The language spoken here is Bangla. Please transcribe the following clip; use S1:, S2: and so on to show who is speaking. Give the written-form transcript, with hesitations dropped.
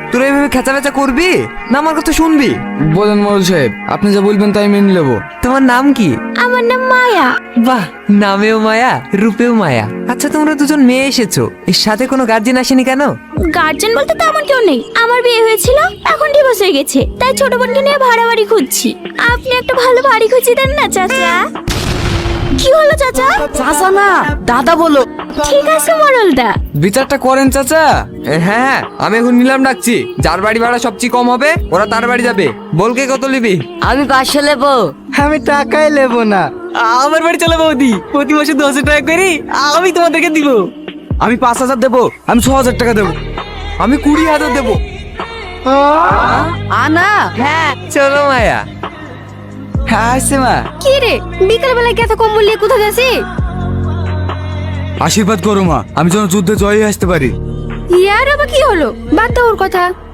S1: তোরা এইভাবে খেঁচা করবি না আমার কথা শুনবি?
S2: বলেন মোড়ল সাহেব, আপনি যা বলবেন তাই মেনে নেবো।
S1: তোমার নাম কি?
S3: আমার নাম মায়া।
S1: বাহ, নামেও মায়া রূপেও মায়া। আচ্ছা, তোমরা দুজন মেয়ে এসেছো, এর সাথে কোনো গার্জিয়ান আসেনি কেন?
S3: গার্জেন বলতে তেমন কেউ নেই। আমার বিয়ে হয়েছিল, এখন ডিভোর্স হয়ে গেছে, তাই ছোট বোনকে নিয়ে ভাড়া বাড়ি খুঁজছি। আপনি একটা ভালো বাড়ি খুঁজে দেন না চাচা। কি হলো চাচা?
S4: চাচা না, দাদা বলো।
S3: ঠিক আছে মোড়লদা।
S2: বিচারটা করেন চাচা।
S1: হ্যাঁ, আমি এখন নিলাম ডাকছি। যার বাড়ি ভাড়া সবচেয়ে কম হবে ওরা তার বাড়ি যাবে। বলকে কত নিবি?
S4: আমি 500 নেবো।
S5: আমি টাকাই নেবো না।
S4: আমার বাড়ি চলে বৌদি, প্রতি মাসে 1000 টাকা করি আমি তোমাদেরকে দিব।
S2: আমি 5000 দেবো, আমি 6000 টাকা দেবো।
S1: আমি 20,000 দেবো।
S4: আনা
S1: হ্যাঁ, চলো মায়া।
S2: হ্যাঁ আসছে মা।
S3: কি রে, বিকাল বেলা এত কম্বল নিয়ে কোথায় যাচ্ছি?
S2: আশীর্বাদ করো মা, আমি যেন যুদ্ধে জয় আসতে পারি।
S3: ইয়ার আবার কি হলো? বাদ দাও ওর কথা।